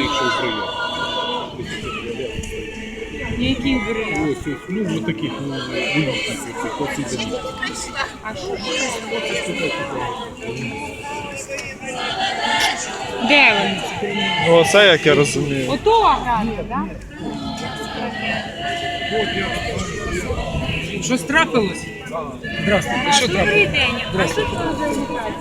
якщо в брилях. Які брилях? Ось, ну, таких, вилітних, оці такі. А що? Де вони ці брилі? Ну, оце як я розумію. Ото аграрка, так? Щось трапилось? Здравствуйте, що Добрий трапилось? день. А що це за агітація?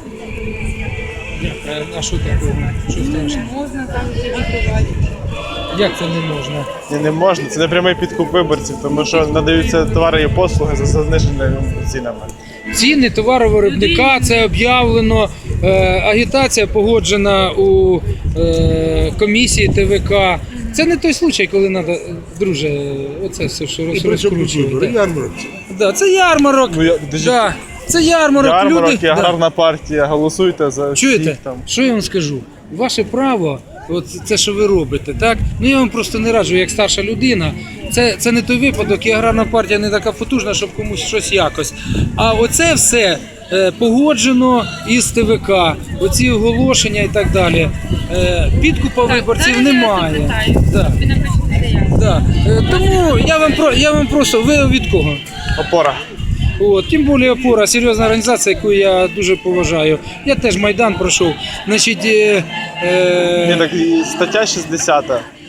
А що такого? Що страшно? Можна там агітувати. Як це не можна? Ні, не можна, це не прямий підкуп виборців, тому що надаються товари і послуги за заниженими цінами. Ціни товаровиробника, це об'явлено, агітація погоджена у комісії ТВК. Це не той случай, коли треба, друже, оце все, що розкручувати. Ярмарок. Да, це ярмарок. Ну, Да, це ярмарок. Ярмарок і Люди, аграрна партія, голосуйте за чуєте, всіх там. що я вам скажу? Ваше право, от це, що ви робите, так? Ну я вам просто не раджу, як старша людина. Це не той випадок, і аграрна партія не така потужна, щоб комусь щось якось. А оце все погоджено із ТВК, оці оголошення і так далі. Підкупа виборців немає. Да. Ви напишете заяву. Да. Тому я вам просто, ви від кого? Опора. От, тим більше «Опора» – серйозна організація, яку я дуже поважаю. Я теж Майдан пройшов. Значить, Ні, так і стаття 60,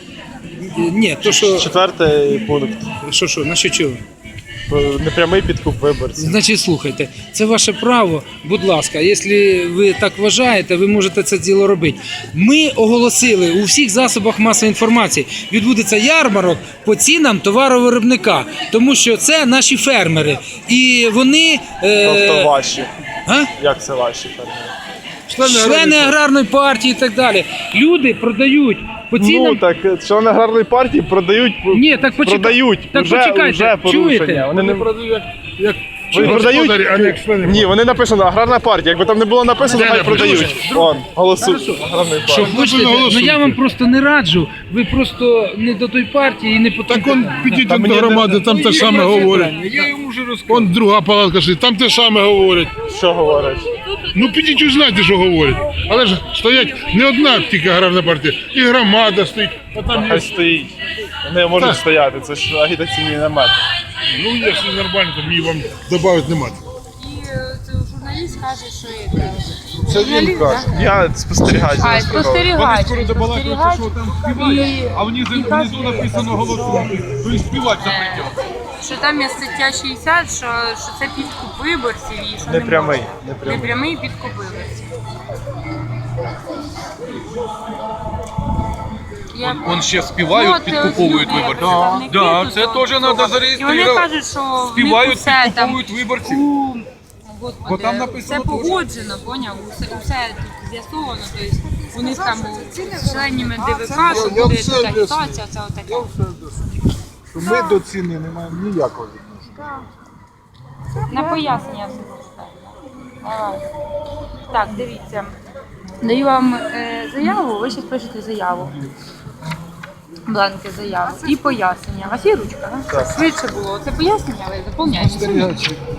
ні, то що, 4 пункт. значить чого? Про непрямий підкуп виборців. Значить, слухайте, це ваше право, будь ласка, якщо ви так вважаєте, ви можете це діло робити. Ми оголосили у всіх засобах масової інформації, відбудеться ярмарок по цінам товаровиробника, тому що це наші фермери. І вони... Тобто ваші. А? Як це ваші фермери? Члени аграрної партії і так далі. Люди продають по цінам... Ну так, члени аграрної партії продають, Ні, так продають. Так вже почекайте, порушення. чуєте? Вони не продають як Вони продають? а не як члени. Ні, вони написано аграрна партія. Якби там не було написано, Де хай написано? продають. Вон, голосують. Аграрної Що партії. хочете, ну я вам просто не раджу, ви просто не до той партії і не по Так он підіть Та до мені громади, там те саме говорять. Я йому вже розказав. Он друга палатка сидить, там те саме говорять. Що говорять? Ну підіть узнайте, що говорять. Але ж стоять не одна тільки аграрна партія, і громада стоїть. А там Хай є, стоїть. Вони можуть Так. стояти, це ж агітаційний намет. ну якщо нормально, то мені вам додати нема. І журналіст каже, що це... Це він каже. Я спостерігач. А, спостерігач. Співають, що там співають, а внизу кажуть, написано голосуйте, то і співати запретять. Що там є стаття 60, що це підкуп виборців і що Непрямий, не можна. непрямий. Непрямий підкуп виборців. Он ще співають, підкуповують виборців. Да, це теж треба І вони зареєструвати. кажуть, що в них Співають, усе там підкуповують виборців. Господи, Бо там написано все теж. погоджено, поняв? Усе тут з'ясовано, тобто у них там з членами ДВК, що буде тут агітація, це отаке. Ми до ціни не маємо ніякого відношення. На пояснення все зачитаю. Давай. Так, дивіться. Даю вам заяву, ви зараз пишете заяву. Бланки заяви і пояснення. У вас є ручка? Да? Швидше було. Це пояснення, ви заповняєте.